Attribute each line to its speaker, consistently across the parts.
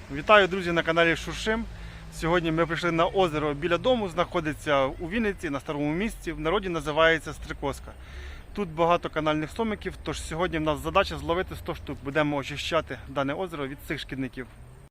Speaker 1: Вітаю, друзі, на каналі Шуршим. Сьогодні ми прийшли на озеро біля дому, знаходиться у Вінниці, на старому місці, в народі називається Стрикозка. Тут багато канальних сомиків, тож сьогодні в нас задача зловити 100 штук. Будемо очищати дане озеро від цих шкідників.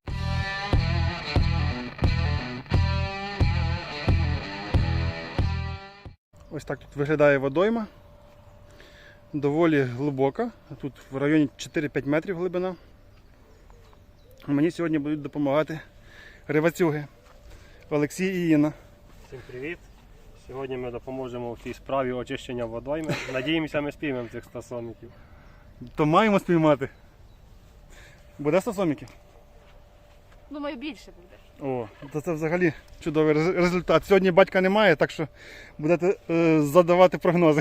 Speaker 1: Ось так тут виглядає водойма. Доволі глибока, тут в районі 4-5 метрів глибина. Мені сьогодні будуть допомагати рибацюги Олексій і Інна.
Speaker 2: Всім привіт! Сьогодні ми допоможемо в цій справі очищення водойми. Надіємося, ми спіймемо цих 100 сомиків.
Speaker 1: То маємо спіймати. Буде 100 сомиків?
Speaker 3: Думаю, більше буде.
Speaker 1: О, то це взагалі чудовий результат. Сьогодні батька немає, так що будете задавати прогнози.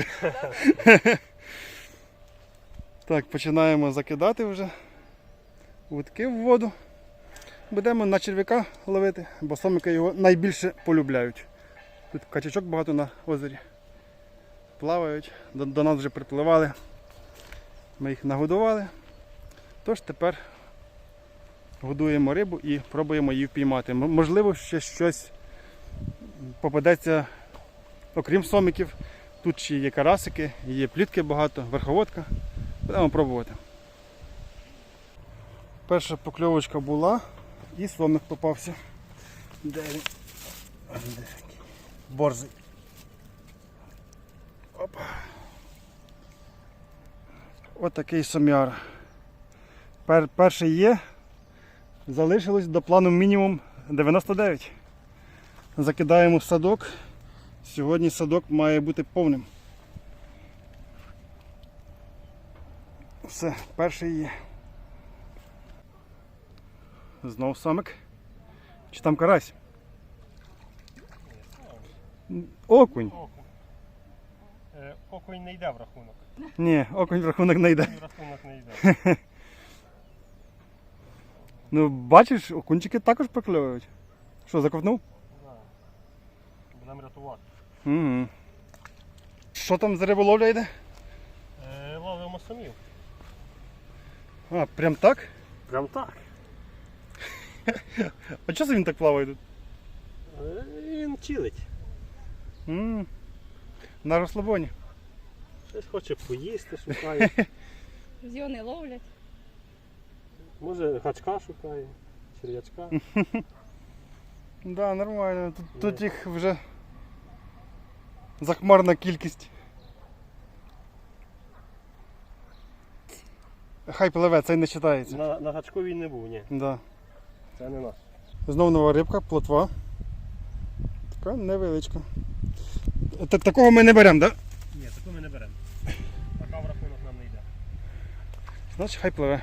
Speaker 1: Так, починаємо закидати вже вудки в воду. Будемо на черв'яка ловити, бо сомики його найбільше полюбляють. Тут качачок багато на озері. Плавають, до нас вже припливали. Ми їх нагодували. Тож тепер годуємо рибу і пробуємо її впіймати. Можливо, ще щось попадеться, окрім сомиків. Тут ще є карасики, є плітки багато, верховодка. Будемо пробувати. Перша покльовочка була і сомик попався. Де він? Борзий. Опа. Ось такий сомяр. Перший є. Залишилось до плану мінімум 99. Закидаємо в садок. Сьогодні садок має бути повним. Все, перший є. Знов самик. Чи там карась? Окунь.
Speaker 2: Окунь не йде в рахунок.
Speaker 1: Ні, окунь в рахунок не йде.
Speaker 2: В рахунок не йде.
Speaker 1: Ну, бачиш, окунчики також прокльовують. Що, заковтнув?
Speaker 2: Да. Будемо рятувати.
Speaker 1: Угу. Що там за риболовля йде?
Speaker 2: Ловимо сомів.
Speaker 1: А, прям так?
Speaker 2: Прям так.
Speaker 1: А чого це він так плаває тут?
Speaker 2: Він чилить.
Speaker 1: На розслабоні.
Speaker 2: Щось хоче поїсти, шукає.
Speaker 3: Зйони ловлять.
Speaker 2: Може гачка шукає, черв'ячка.
Speaker 1: Да, нормально. Тут їх вже захмарна кількість. Хай пливе, це не вважається.
Speaker 2: На гачку він не був, ні.
Speaker 1: Да.
Speaker 2: Це не наш.
Speaker 1: Знову нова рибка, плотва. Така невеличка. Такого ми не беремо, так? Да?
Speaker 2: Ні, таку ми не беремо. Така в рахунок нам не йде.
Speaker 1: Значить, хай пливе.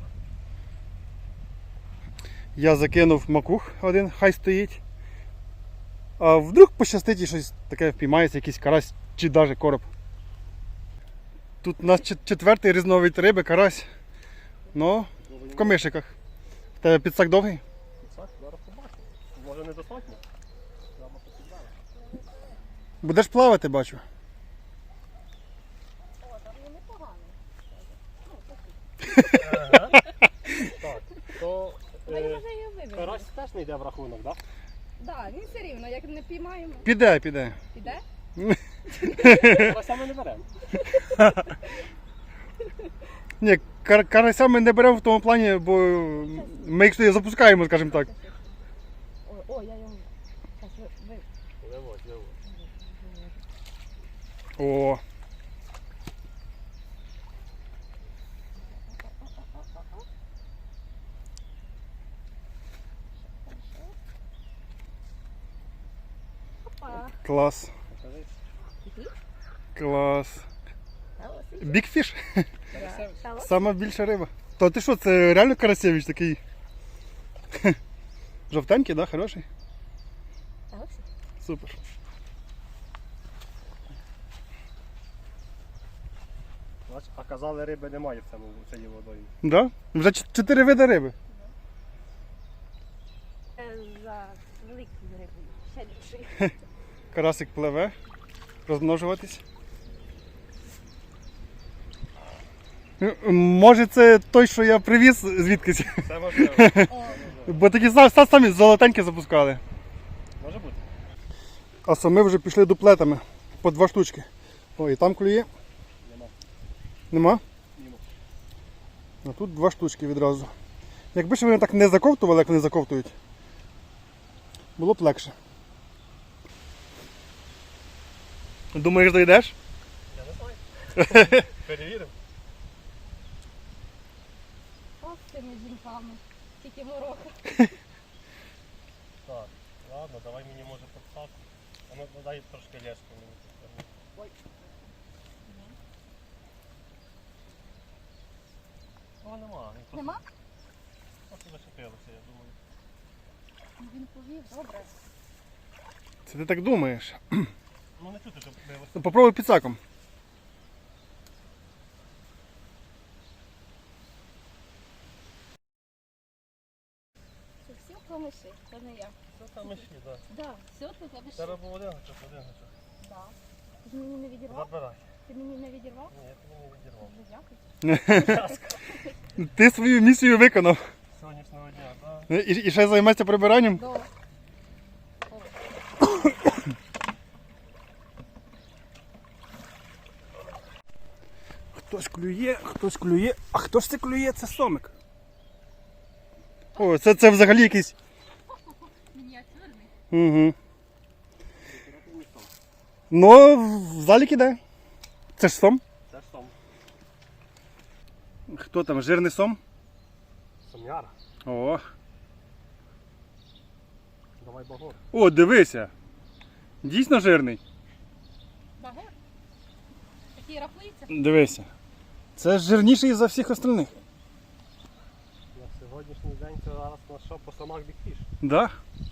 Speaker 1: Я закинув макух один, хай стоїть. А вдруг пощастить і щось таке впіймається, якийсь карась чи навіть короб. Тут у нас четвертий різновид риби, карась. Ну, в комишиках. В тебе підсак довгий?
Speaker 2: Так, зараз побачимо. Може недостатньо? Треба посідати.
Speaker 1: Будеш плавати, бачу.
Speaker 3: О, там він непоганий.
Speaker 2: Ага. Так, то
Speaker 3: Ми вже її вивели.
Speaker 2: карась теж не йде в рахунок, так?
Speaker 3: Так, він все рівно, як не піймаємо.
Speaker 1: Піде.
Speaker 3: Піде?
Speaker 2: Карася ми не беремо.
Speaker 1: Ні, карася ми не беремо в тому плані, бо ми їх запускаємо, скажімо так.
Speaker 3: О, я його.
Speaker 2: Виводь.
Speaker 1: О.
Speaker 3: Опа.
Speaker 1: Клас. Клас. Бікфіш? Сама більша риба. То ти що, це реально Карасевич такий? Жовтенький, да? Хороший? Супер.
Speaker 2: А казали, риби немає в цій водоймі.
Speaker 1: Да? Вже 4 види риби.
Speaker 3: За великою рибою. Ще більший.
Speaker 1: Карасик пливе, розмножуватись. Може це той, що я привіз звідкись?
Speaker 2: Це можливо.
Speaker 3: О,
Speaker 1: Бо такі самі золотенькі запускали.
Speaker 2: Може бути.
Speaker 1: А самі вже пішли дуплетами по 2 штучки. О, і там клює.
Speaker 2: Нема.
Speaker 1: Нема?
Speaker 2: Нема.
Speaker 1: А тут 2 штучки відразу. Якби ж вони так не заковтували, як вони заковтують, було б легше. Думаєш, дійдеш?
Speaker 2: Я не знаю. Перевіримо.
Speaker 3: Ось з цими жінками. Тільки морока.
Speaker 2: Так, ладно, давай мені може подсаку. А ну дай трошки леску мені підтягни.
Speaker 3: Ой.
Speaker 2: О, нема. Він просто,
Speaker 3: Нема?
Speaker 2: просто зачепилося, я думаю.
Speaker 3: Він повів, добре.
Speaker 1: Це ти так думаєш.
Speaker 2: Ну не чути, щоб билося.
Speaker 1: Ну, попробуй підсаком.
Speaker 3: Це всі промиши, це не я.
Speaker 2: Це там іще, так.
Speaker 3: Да, все ти тебе ще.
Speaker 2: Зараз був один гачок, один гачок.
Speaker 3: Да. Ти ж мені не відірвав?
Speaker 2: Забирай.
Speaker 3: Ти мені не відірвав?
Speaker 2: Ні, я тобі не відірвав.
Speaker 3: Дуже дякую.
Speaker 1: Ти свою місію виконав.
Speaker 2: Сонячного дня, так?
Speaker 1: І ще займаєшся прибиранням?
Speaker 3: До.
Speaker 1: Хтось клює. А хто ж це клює? Це сомик. О, це взагалі якийсь.
Speaker 3: Мініатюрний.
Speaker 1: Угу. Ну, в залік іде. Це ж сом.
Speaker 2: Це ж сом.
Speaker 1: Хто там? Жирний сом?
Speaker 2: Сом'яра.
Speaker 1: О.
Speaker 2: Давай багор.
Speaker 1: О, дивися. Дійсно жирний.
Speaker 3: Багор? Такий рахується?
Speaker 1: Дивися. Це жирніший за всіх остальних.
Speaker 2: На сьогоднішній день це зараз на що по самах бікфіш.
Speaker 1: Да?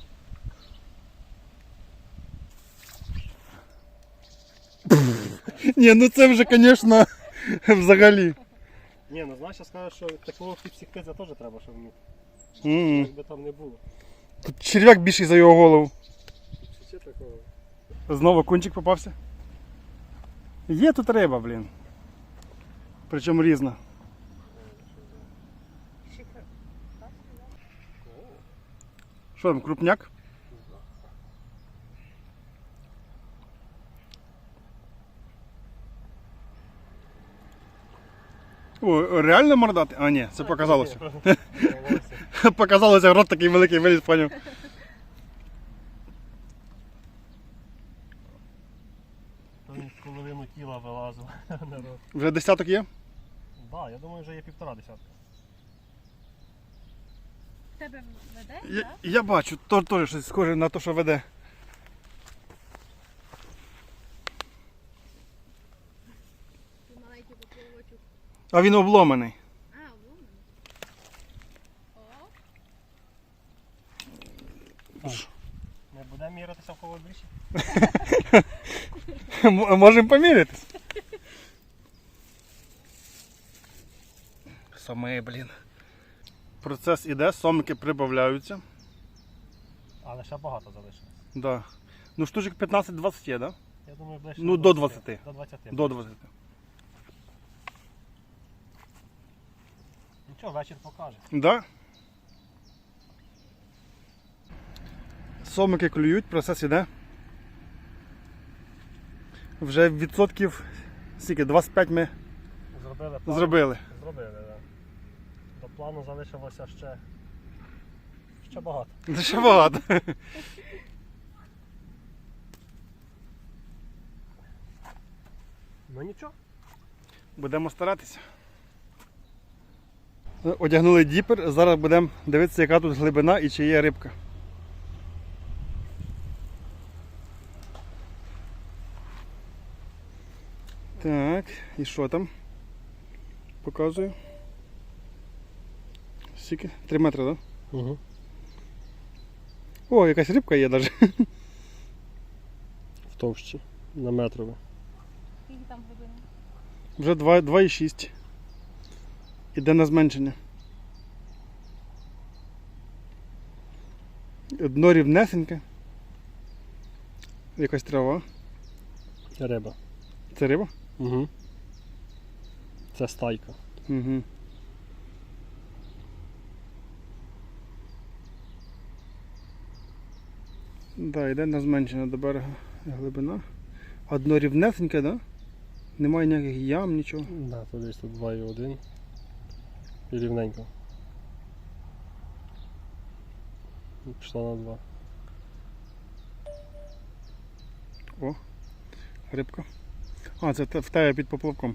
Speaker 1: Ні, ну це вже, звісно, взагалі.
Speaker 2: Ні, ну знаєш, я скажу, що такого підсікти це теж треба, щоб вміти.
Speaker 1: М.
Speaker 2: Як би там не було.
Speaker 1: Тут черв'як більший за його голову.
Speaker 2: Ще такого.
Speaker 1: Знову кунчик попався. Є тут риба, блін. Причому різна.
Speaker 3: Шикар.
Speaker 1: Що там, крупняк? О, реально мордати? А, ні, це показалося. Показалося, рот такий великий виліз, поняв.
Speaker 2: Там половину тіла вилазило на рот.
Speaker 1: Вже десяток є?
Speaker 2: Так, я думаю, вже є 1,5 десятка.
Speaker 3: Тебе веде,
Speaker 1: Я,
Speaker 3: так?
Speaker 1: я бачу, теж щось схоже на те, що веде.
Speaker 3: Ти маленький поплавочок.
Speaker 1: А він обломаний.
Speaker 3: А, вон. О,
Speaker 2: Не будемо мірятися в кого більше?
Speaker 1: Можемо помірятись. Соми, блін. Процес іде, сомики прибавляються.
Speaker 2: Але ще багато залишилось.
Speaker 1: Да. Ну штучок 15-20 є, да?
Speaker 2: Я думаю, ближче
Speaker 1: Ну, до 20.
Speaker 2: До 20.
Speaker 1: До 20.
Speaker 2: Нічого, вечір покаже.
Speaker 1: Да? Сомики клюють, процес іде. Вже відсотків скільки? 25 ми
Speaker 2: Зробили план.
Speaker 1: зробили.
Speaker 2: Зробили, так. До плану залишилося ще багато.
Speaker 1: Це ще багато.
Speaker 2: Ну нічого.
Speaker 1: Будемо старатися. Одягнули діпер, зараз будемо дивитися, яка тут глибина і чи є рибка. Так, і що там? Показую. Скільки? 3 метри, так? Да?
Speaker 2: Угу.
Speaker 1: О, якась рибка є навіть.
Speaker 2: В товщі. На метрове.
Speaker 3: скільки там глибини?
Speaker 1: Вже 2,6. Іде на зменшення. Дно рівнесеньке. Якась трава.
Speaker 2: Риба.
Speaker 1: Це риба?
Speaker 2: Угу. Це стайка.
Speaker 1: Угу. Да, йде на зменшення до берега глибина. Одно рівнесеньке, да? Немає ніяких ям, нічого.
Speaker 2: Да, тут десь тут 2,1 і рівненько. Пішла на 2.
Speaker 1: О, рибка. А, це в тебе під поплавком.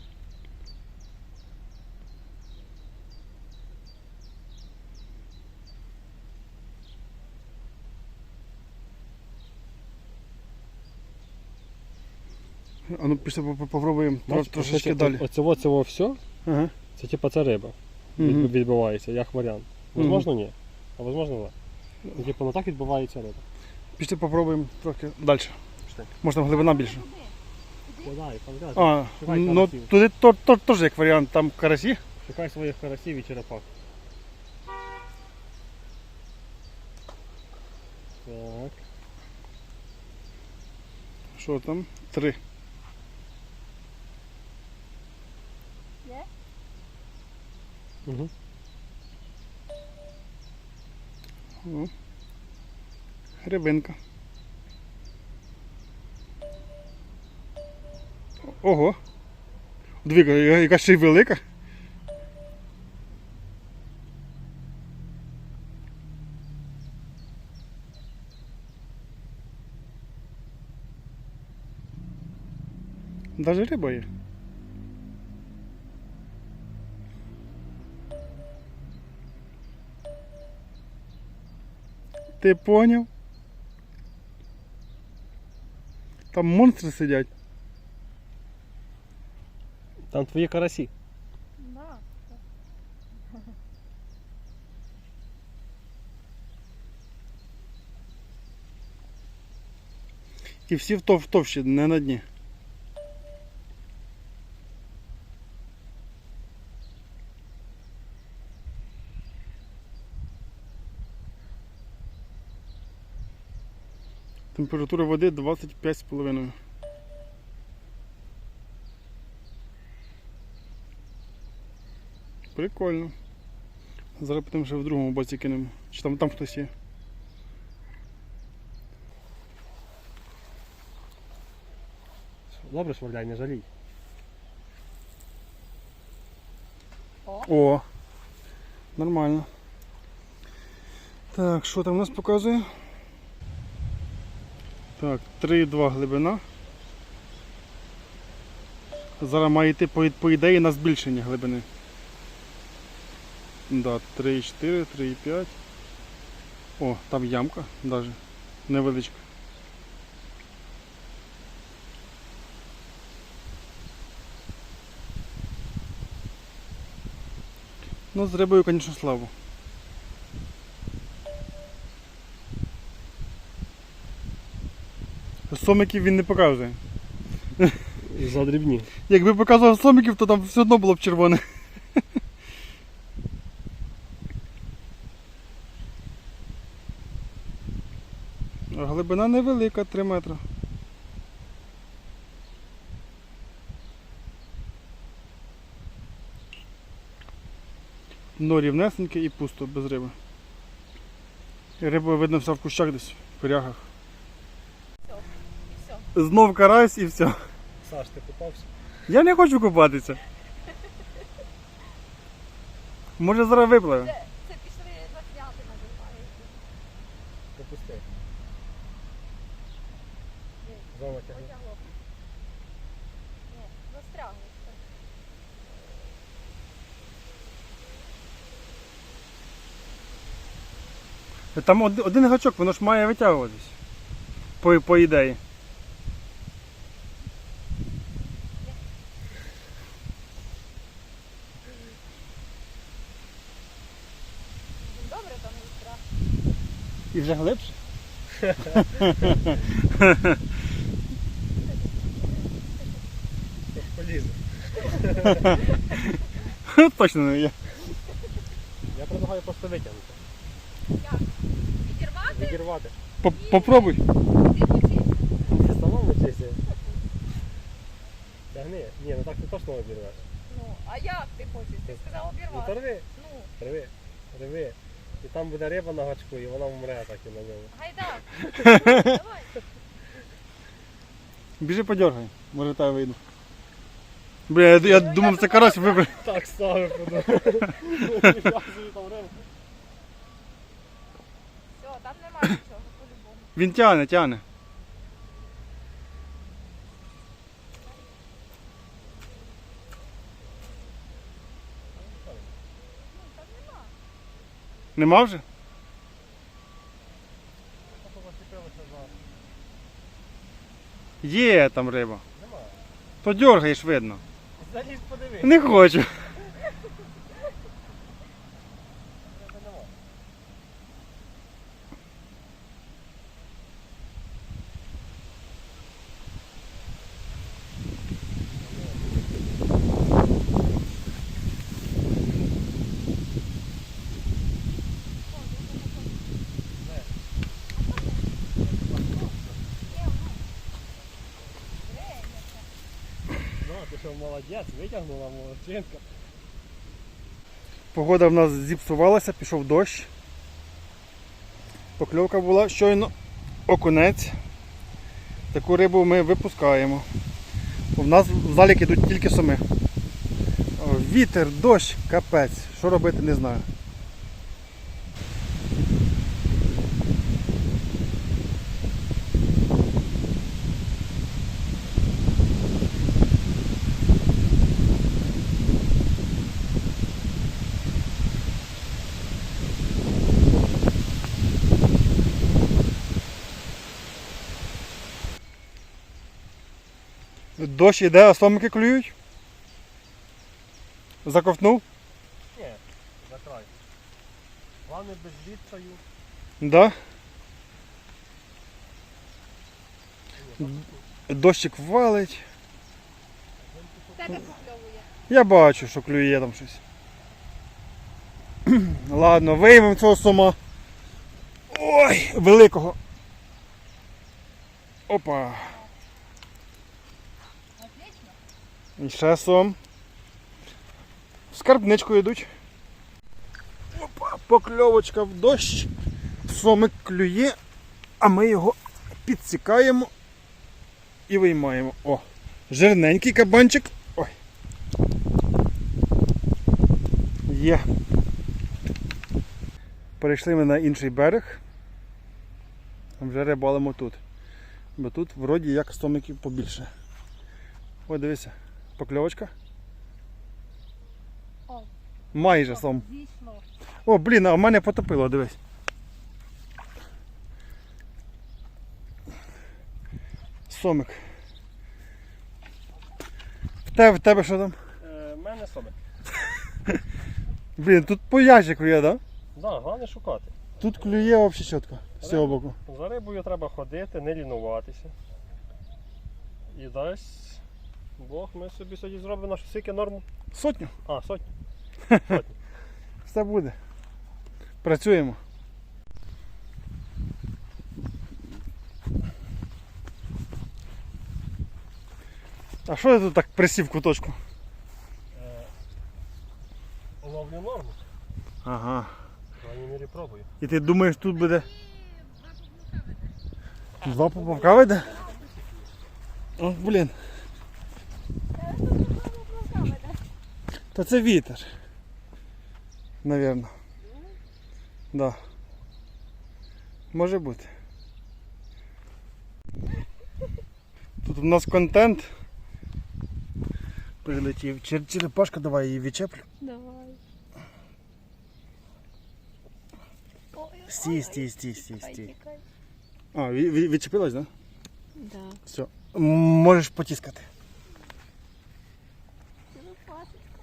Speaker 1: А ну після попробуємо трошечки далі.
Speaker 2: Оцього все,
Speaker 1: Ага.
Speaker 2: це типа це риба.
Speaker 1: Мгм.
Speaker 2: Відбувається, як варіант. Возможно, ні. А возможно, так. Ну, типу, ну так відбувається риба.
Speaker 1: Після попробуємо трохи далі.
Speaker 2: Пішли.
Speaker 1: Може там глибина більше.
Speaker 2: Подай, подай.
Speaker 1: А,
Speaker 2: Шукай
Speaker 1: ну
Speaker 2: карасів.
Speaker 1: туди теж як варіант, там карасі.
Speaker 2: Шукай своїх карасів і черепах. Так.
Speaker 1: Що там? 3.
Speaker 3: Є?
Speaker 2: Угу.
Speaker 1: О. Рибинка. Ого. Двіка, яка ще й велика. Даже риба є. Ти поняв? Там монстри сидять.
Speaker 2: Там твої карасі.
Speaker 3: Да.
Speaker 1: І всі в товщі, не на дні. Температура води 25,5. Прикольно. Зараз потім ще в другому боці кинемо. Чи там хтось є.
Speaker 2: Добре швирляй, не жалій.
Speaker 1: О! Нормально. Так, що там у нас показує? Так, 3,2 глибина. Зараз має йти по ідеї на збільшення глибини. Да, 3,4, 3,5. О, там ямка навіть невеличка. Ну, з рибою, звісно, слабо. Сомиків він не показує.
Speaker 2: Задрібні.
Speaker 1: Якби показував сомиків, то там все одно було б червоне. А глибина невелика, 3 метри. Дно рівнесеньке і пусто, без риби. І риба видно вся в кущах десь, в корягах.
Speaker 3: Все.
Speaker 1: Знов карась і все.
Speaker 2: Саш, ти купався?
Speaker 1: Я не хочу купатися. Може зараз випливе.
Speaker 3: Це пішли засняти називається.
Speaker 2: Пропусти. Знову тягни.
Speaker 3: Потягло. Ні, застрягло.
Speaker 1: Там один гачок, воно ж має витягуватись. По ідеї.
Speaker 3: Добре там не страх.
Speaker 1: І вже глибше?
Speaker 2: Полізу.
Speaker 1: Точно не є.
Speaker 2: Я предлагаю просто витягнути.
Speaker 3: Як? Відірвати?
Speaker 2: Відірвати.
Speaker 1: Попробуй.
Speaker 3: Ти хочеш?
Speaker 2: Ти самому вчися. Тягни. Ні, ну так ти точно обірвеш.
Speaker 3: Ну, а як ти хочеш? Ти сказав
Speaker 2: Ну
Speaker 3: обірвати.
Speaker 2: то рви.
Speaker 3: Ну,
Speaker 2: Рви. Рви. І там буде риба на гачку, і вона вмре так і на ньому.
Speaker 3: Гайда. Давай.
Speaker 1: Біжи подергай, може та вийду. Бля, я думав, це карась вибив.
Speaker 2: Так ставив подумав. Я собі там рибу.
Speaker 3: Все, там немає нічого, по-любому.
Speaker 1: Він тягне.
Speaker 3: Ну, там нема.
Speaker 1: Нема вже? Є там риба.
Speaker 2: Нема.
Speaker 1: То дергаєш, видно.
Speaker 2: Залізь подивись.
Speaker 1: Не хочу.
Speaker 2: Риби нема. Ну, ти що молодець, витягнула молодчинка.
Speaker 1: Погода в нас зіпсувалася, пішов дощ. Покльовка була щойно окунець. Таку рибу ми випускаємо. У нас в залік ідуть тільки соми. Вітер, дощ, капець. Що робити, не знаю. Дощ іде, а сомики клюють. Заковтнув?
Speaker 2: Ні, за край. Головне без відчаю.
Speaker 1: Да. Дощик валить.
Speaker 3: Тебе покльовує.
Speaker 1: Я бачу, що клює там щось. Ладно, виймемо цього сома. Ой, великого. Опа.
Speaker 3: Отлично.
Speaker 1: І ще сом. В скарбничку йдуть. Опа, покльовочка в дощ. Сомик клює, а ми його підсікаємо і виймаємо. О, жирненький кабанчик. Ой. Є. Перейшли ми на інший берег. Вже рибалимо тут. Бо тут вроді як сомиків побільше. Ой, дивися, покльовочка.
Speaker 3: О.
Speaker 1: Майже сом.
Speaker 3: Зійшло.
Speaker 1: О, блін, а в мене потопило, дивись. Сомик. В тебе що там?
Speaker 2: В мене соми.
Speaker 1: Блін, тут по ящику є, так? Да?
Speaker 2: Да, головне шукати.
Speaker 1: Тут клює взагалі чітко. З цього боку.
Speaker 2: За рибою треба ходити, не лінуватися. І дасть Бог, ми собі сьогодні зробимо нашу скільки норму.
Speaker 1: Сотню.
Speaker 2: А, сотню.
Speaker 1: Все буде. Працюємо. А що я тут так присів в куточку?
Speaker 2: Ловлю норму.
Speaker 1: Ага.
Speaker 2: В крайній мірі пробую.
Speaker 1: І ти думаєш, тут буде. Два поплавка веде? О, блін. Та це вітер. Навірно. Да. Може бути. Тут у нас контент. Прилетів. Черепашка, давай її відчеплю.
Speaker 3: Давай.
Speaker 1: Стій.
Speaker 3: Тікай, тікай.
Speaker 1: А, відчепилась, так?
Speaker 3: Да.
Speaker 1: Все. Можеш потискати.
Speaker 3: Черепашечка.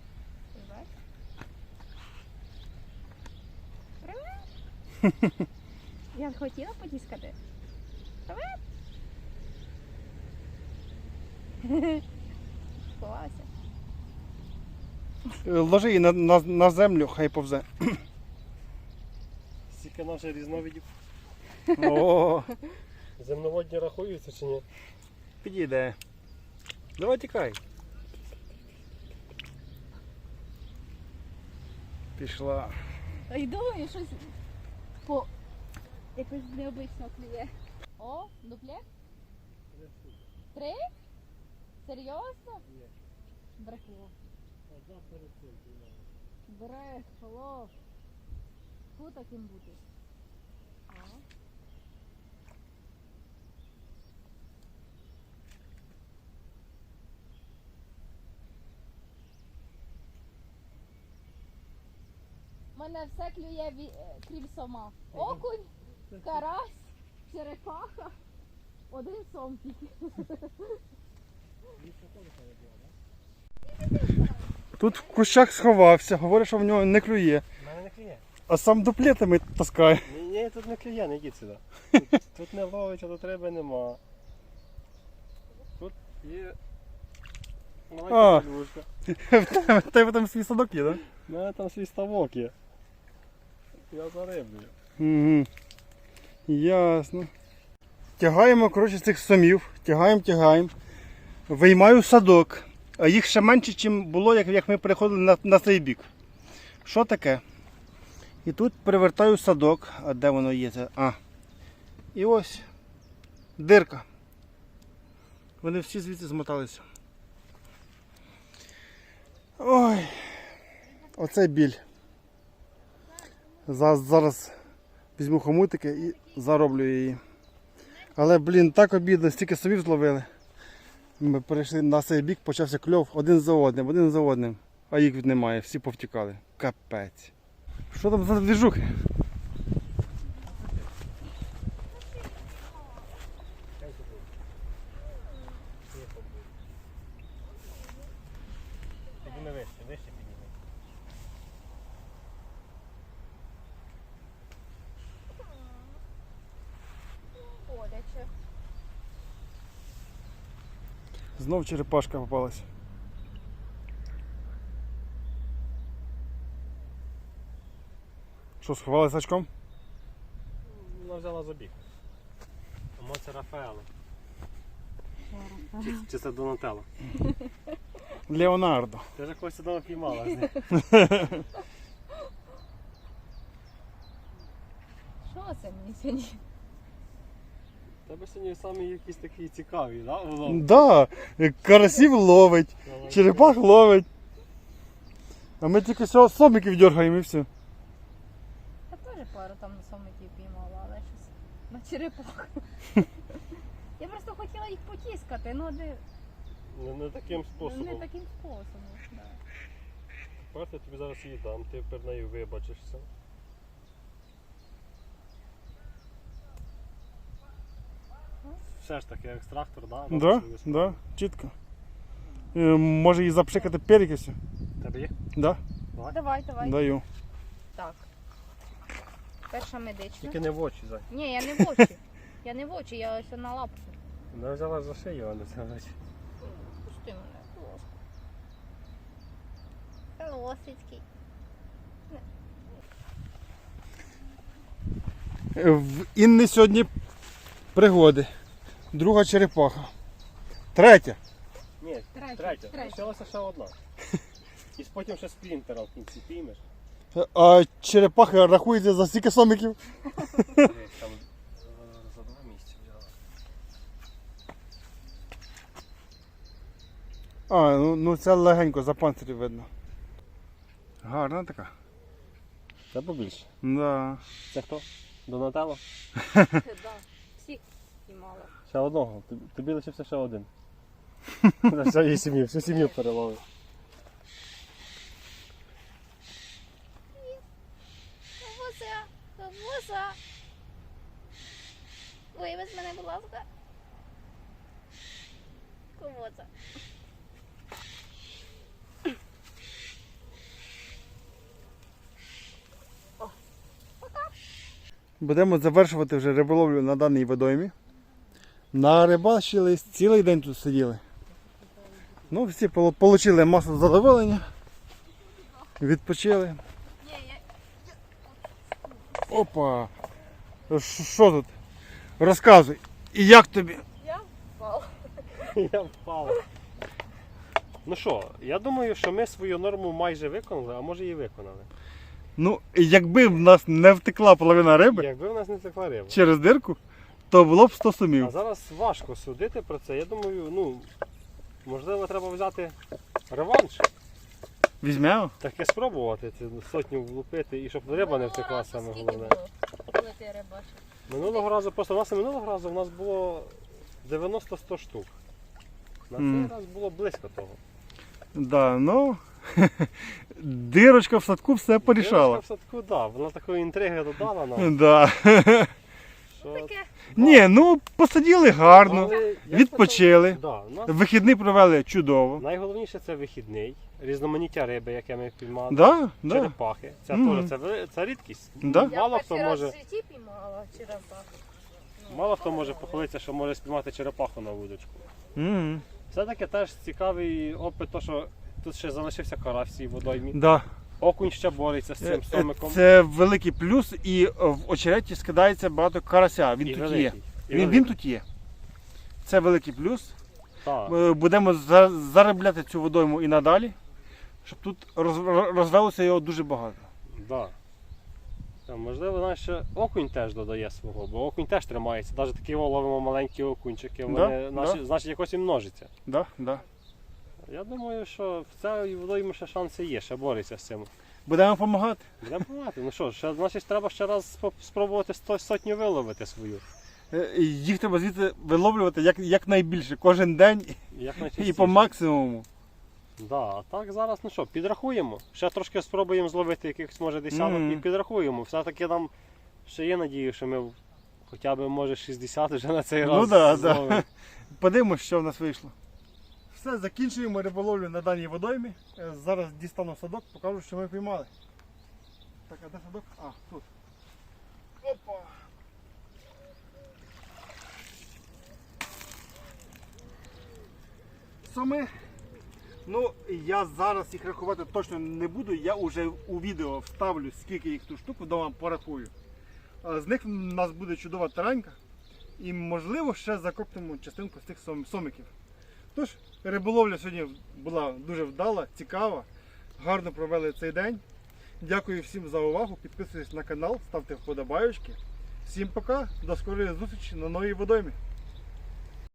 Speaker 3: Привет. Я хотіла потіскати. Привет. Сховався.
Speaker 1: Ложи її на землю, хай повзе.
Speaker 2: Скільки наших різновидів.
Speaker 1: О,
Speaker 2: Земноводні рахуються чи ні?
Speaker 1: підійде. Давай тікай. Пішла.
Speaker 3: І думаю, щось по якось необично клює. О, дупле? 3? Серйозно?
Speaker 2: Ні.
Speaker 3: Брехло.
Speaker 2: Одна перед цим піймала.
Speaker 3: Брехло. Фу таким бути. О. У мене все клює крім сома. Окунь, карась, черепаха. Один сом тільки.
Speaker 1: Тут в кущах сховався, говорить, що в нього не клює.
Speaker 2: У мене не клює.
Speaker 1: А сам дуплетами таскає.
Speaker 2: Ні, тут не клює, не йдіть сюди. Тут не ловить, а тут риби нема. Тут є
Speaker 1: А.
Speaker 2: маленька клюшка.
Speaker 1: В тебе там свій садок є, так?
Speaker 2: У мене там свій ставок є. Я зариблюю.
Speaker 1: Угу. Ясно. Тягаємо, коротше, цих сомів. Тягаємо. Виймаю садок. А їх ще менше, ніж було, як ми переходили на цей бік. Що таке? І тут перевертаю садок. А де воно є? І ось дирка. Вони всі звідси змоталися. Ой, оце біль. Зараз візьму хомутики і зароблю її. Але, блін, так обідно, стільки совів зловили. Ми перейшли на цей бік, почався кльов один за одним. А їх немає, всі повтікали. Капець. Що там за двіжухи?
Speaker 2: Підніми вище підніми.
Speaker 3: Боляче.
Speaker 1: Знов черепашка попалась. Що, сховалась очком?
Speaker 2: Вона взяла забіг. Тому це Рафаело. Чи це Донателло?
Speaker 1: Леонардо.
Speaker 2: Ти ж когось сюди піймала з них.
Speaker 3: Що це мені сьогодні?
Speaker 2: Тебе сьогодні самі якісь такі цікаві, да? Воно?
Speaker 1: Да, карасів ловить, черепах ловить. А ми тільки всього сомиків дергаємо і все.
Speaker 3: Я теж пару там сомиків піймала, але щось на черепах. Я просто хотіла їх потіскати, ну
Speaker 2: Не таким
Speaker 3: не
Speaker 2: способом.
Speaker 3: таким способом. Да.
Speaker 2: Тепер я тобі зараз її дам, ти перед нею вибачишся. Все ж таки екстрактор, да?
Speaker 1: Да, чітко. Може її запшикати перекисю?
Speaker 2: Тебе є?
Speaker 1: Да?
Speaker 3: Давай.
Speaker 1: Даю.
Speaker 3: Так. Перша медична.
Speaker 2: Тільки не в очі, зай.
Speaker 3: Ні, я не в очі. Я не в очі, я ось на лапку.
Speaker 2: Вона взяла за шию, а не за очі.
Speaker 3: Пусти мене, будь ласка. Колосицький.
Speaker 1: В Інни сьогодні пригоди. Друга черепаха. Третя.
Speaker 2: Ні, третя. Лишилася ще одна. І потім ще сплінтера в кінці піймеш.
Speaker 1: А черепаха рахується за стільки сомиків.
Speaker 2: Там за 2 місяці взяла.
Speaker 1: Ну це легенько, за панцирі видно. Гарна така.
Speaker 2: Це побільше.
Speaker 1: Да.
Speaker 2: Це хто? Донателло?
Speaker 3: Да. Всіх піймала.
Speaker 2: Ще одного. Тобі лишився ще один. За всієї сім'ї, всю сім'ю переловив.
Speaker 3: Бабуся. Вивез мене, будь ласка. Ковоца.
Speaker 1: Будемо завершувати вже риболовлю на даній водоймі. Нарибачились, цілий день тут сиділи. Ну, всі отримали масу задоволення. Відпочили. Опа! Що тут? Розказуй. І як тобі?
Speaker 3: Я впала.
Speaker 2: Я впав. Ну що, я думаю, що ми свою норму майже виконали, а може і виконали.
Speaker 1: Ну, якби в нас не втекла половина риби
Speaker 2: Якби в нас не текла риба.
Speaker 1: через дирку, то було б 100
Speaker 2: А
Speaker 1: сумів.
Speaker 2: зараз важко судити про це. Я думаю, ну, можливо, треба взяти реванш.
Speaker 1: Візьмемо?
Speaker 2: Таке спробувати, цю сотню влупити і щоб риба не втекла, саме головне.
Speaker 3: Коли ти рибачив?
Speaker 2: Минулого разу, просто минулого разу у нас було 90-100 штук. На
Speaker 1: Мгм.
Speaker 2: цей раз було близько того.
Speaker 1: Да, ну, дирочка в садку все порішала.
Speaker 2: Дівчинка в садку, да, вона такої інтриги додала нам,
Speaker 1: Да.
Speaker 2: що...
Speaker 3: Таке.
Speaker 1: Ні, ну посиділи гарно,
Speaker 2: Але я
Speaker 1: відпочили.
Speaker 2: Да, у нас
Speaker 1: Вихідний провели чудово.
Speaker 2: найголовніше це вихідний, різноманіття риби, яке ми піймали,
Speaker 1: Да, да.
Speaker 2: черепахи. Це
Speaker 1: Мгм.
Speaker 2: теж це рідкість.
Speaker 1: Да.
Speaker 3: Я
Speaker 2: Мало хто
Speaker 3: перший раз
Speaker 2: може,
Speaker 3: в житті піймала черепаху.
Speaker 2: мало хто може похвалитися, що може спіймати черепаху на вудочку.
Speaker 1: Мгм.
Speaker 2: Все-таки теж цікавий опит, то, що тут ще залишився карась в цій водоймі.
Speaker 1: Да.
Speaker 2: Окунь ще бореться з цим сомиком.
Speaker 1: Це великий плюс, і в очереті скидається багато карася. Він
Speaker 2: І
Speaker 1: тут
Speaker 2: великий,
Speaker 1: є.
Speaker 2: і
Speaker 1: Він
Speaker 2: великий.
Speaker 1: тут є. Це великий плюс.
Speaker 2: Так.
Speaker 1: Будемо заробляти цю водойму і надалі, щоб тут розвелося його дуже багато.
Speaker 2: Да. Можливо, знаєш, ще окунь теж додає свого, бо окунь теж тримається. Навіть такі ловимо маленькі окунчики, вони,
Speaker 1: Да.
Speaker 2: значить якось і множиться.
Speaker 1: Да, да.
Speaker 2: Я думаю, що в цій водоймі ще шанси є, ще бореться з цим.
Speaker 1: Будемо допомагати.
Speaker 2: Будемо пробувати. Ну що, ще, значить, треба ще раз спробувати сотню виловити свою.
Speaker 1: Їх треба звідси виловлювати якнайбільше, кожен день
Speaker 2: Як
Speaker 1: і
Speaker 2: найчастіше.
Speaker 1: по максимуму.
Speaker 2: Да, а так зараз, ну що, підрахуємо. Ще трошки спробуємо зловити якихось, може, десяток
Speaker 1: Мгм.
Speaker 2: і підрахуємо. Все-таки нам ще є надія, що ми хоча б, може, 60 вже на цей
Speaker 1: Ну
Speaker 2: раз
Speaker 1: да,
Speaker 2: зловимо.
Speaker 1: да. Подивимось, що в нас вийшло. Все, закінчуємо риболовлю на даній водоймі. Зараз дістану садок, покажу, що ми піймали. Так, а де садок? А, тут. Опа! Соми. Ну, я зараз їх рахувати точно не буду, я вже у відео вставлю, скільки їх тут штук, вдома порахую. З них в нас буде чудова таранька. І можливо ще закоптимо частинку з тих сомиків. Тож, риболовля сьогодні була дуже вдала, цікава. Гарно провели цей день. Дякую всім за увагу. Підписуйтесь на канал, ставте вподобайочки. Всім пока, до скорої зустрічі на новій водоймі.